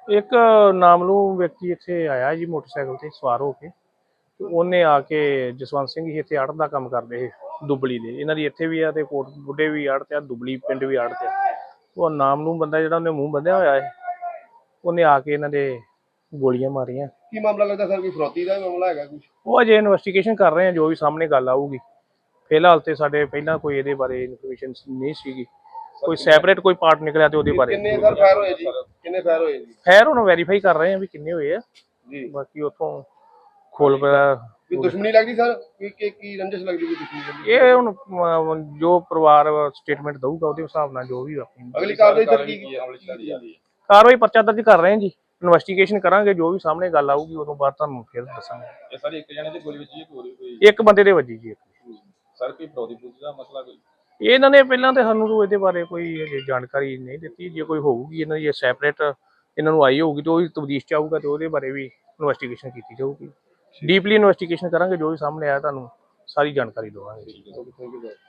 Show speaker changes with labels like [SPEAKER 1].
[SPEAKER 1] एक नामलूम व्यक्ति इत्थे आया जी मोटरसाइकिल ते सवार हो के ਉਹਨੇ ਆ ਕੇ ਜਸਵੰਤ ਸਿੰਘ ਜੀ ਇੱਥੇ ਆੜਤ ਦਾ ਕੰਮ ਕਰਦੇ ਸੀ ਦੁਬਲੀ ਦੇ। ਇਹਨਾਂ ਦੀ ਇੱਥੇ ਵੀ ਆ ਤੇ ਕੋਟ ਬੁੱਢੇ ਵੀ ਆੜਤ ਆ, ਦੁਬਲੀ ਪਿੰਡ ਵੀ ਆੜਤ ਆ। ਉਹ ਨਾਮਲੂਮ ਬੰਦਾ ਜਿਹੜਾ ਉਹਨੇ ਮੂੰਹ ਬੰਨਿਆ ਹੋਇਆ ਹੈ, ਉਹਨੇ ਆ ਕੇ ਇਹਨਾਂ ਦੇ ਗੋਲੀਆਂ ਮਾਰੀਆਂ।
[SPEAKER 2] ਕੀ ਮਾਮਲਾ ਲੱਗਦਾ ਸਰ? ਕੋਈ ਫਰੋਤੀ ਦਾ ਮਾਮਲਾ ਹੈਗਾ ਕੁਝ?
[SPEAKER 1] ਉਹ ਅਜੇ ਇਨਵੈਸਟੀਗੇਸ਼ਨ ਕਰ ਰਹੇ ਆ, ਜੋ ਵੀ ਸਾਹਮਣੇ ਗੱਲ ਆਊਗੀ। ਫਿਲਹਾਲ ਤੇ ਸਾਡੇ ਪਹਿਲਾਂ ਕੋਈ ਇਹਦੇ ਬਾਰੇ ਇਨਫੋਰਮੇਸ਼ਨ ਨਹੀਂ ਸੀਗੀ, ਕੋਈ ਸੈਪਰੇਟ ਕੋਈ ਪਾਰਟ ਨਿਕਲਿਆ ਤੇ ਉਹਦੇ ਬਾਰੇ।
[SPEAKER 2] ਕਿੰਨੇ ਸਰ ਫਾਇਰ ਹੋਏ ਜੀ? ਕਿੰਨੇ ਫਾਇਰ ਹੋਏ ਜੀ?
[SPEAKER 1] ਖੈਰ ਹੁਣ ਵੈਰੀਫਾਈ ਕਰ ਰਹੇ ਆ ਵੀ ਕਿੰਨੇ ਹੋਏ ਆ
[SPEAKER 2] ਜੀ।
[SPEAKER 1] ਬਾਕੀ ਉੱਥੋਂ ਖੋਲ ਪਿਆ।
[SPEAKER 2] ਕੋਈ ਦੁਸ਼ਮਣੀ ਲੱਗਦੀ ਸਰ? ਕੀ ਰੰਜਿਸ਼ ਲੱਗਦੀ? ਕੋਈ ਦੁਸ਼ਮਣੀ?
[SPEAKER 1] ਇਹ ਹੁਣ ਜੋ ਪਰਿਵਾਰ ਸਟੇਟਮੈਂਟ ਦਊਗਾ ਉਹਦੇ ਹਿਸਾਬ ਨਾਲ ਜੋ ਵੀ ਆਪਣੀ
[SPEAKER 2] ਅਗਲੀ ਕਾਰਵਾਈ ਸਰ ਕੀ
[SPEAKER 1] ਕਾਰਵਾਈ ਪਰਚਾ ਦਰਜ ਕਰ ਰਹੇ ਹਾਂ ਜੀ। ਇਨਵੈਸਟੀਗੇਸ਼ਨ ਕਰਾਂਗੇ, ਜੋ ਵੀ ਸਾਹਮਣੇ ਗੱਲ ਆਊਗੀ ਉਦੋਂ ਬਾਅਦ ਤੁਹਾਨੂੰ ਫਿਰ ਦੱਸਾਂਗੇ।
[SPEAKER 3] ਇਹ ਸਾਰੇ ਇੱਕ ਜਣੇ ਦੀ ਗੋਲੀ ਵੱਜੀ ਕੋਈ
[SPEAKER 1] ਇੱਕ ਬੰਦੇ ਦੇ ਵੱਜੀ ਜੀ।
[SPEAKER 3] ਸਰ ਕੋਈ ਫਰੋਦੀ ਦਾ ਮਸਲਾ ਕੋਈ?
[SPEAKER 1] ਇਹਨਾਂ ਨੇ ਪਹਿਲਾਂ ਤੇ ਸਾਨੂੰ ਇਹਦੇ ਬਾਰੇ ਕੋਈ ਜਾਣਕਾਰੀ ਨਹੀਂ ਦਿੱਤੀ। ਜੇ ਕੋਈ ਹੋਊਗੀ ਇਹਨਾਂ ਦੀ ਸੈਪਰੇਟ ਇਹਨਾਂ ਨੂੰ ਆਈ ਹੋਊਗੀ ਤੇ ਉਹ ਤਬਦੀਸ਼ ਚ ਆਊਗਾ ਤੇ ਉਹਦੇ ਬਾਰੇ ਵੀ ਇਨਵੈਸਟੀਗੇਸ਼ਨ ਕੀਤੀ ਜਾਊਗੀ। ਡੀਪਲੀ ਇਨਵੈਸਟੀਗੇਸ਼ਨ ਕਰਾਂਗੇ, ਜੋ ਵੀ ਸਾਹਮਣੇ ਆਇਆ ਤੁਹਾਨੂੰ ਸਾਰੀ ਜਾਣਕਾਰੀ ਦੇਵਾਂਗੇ।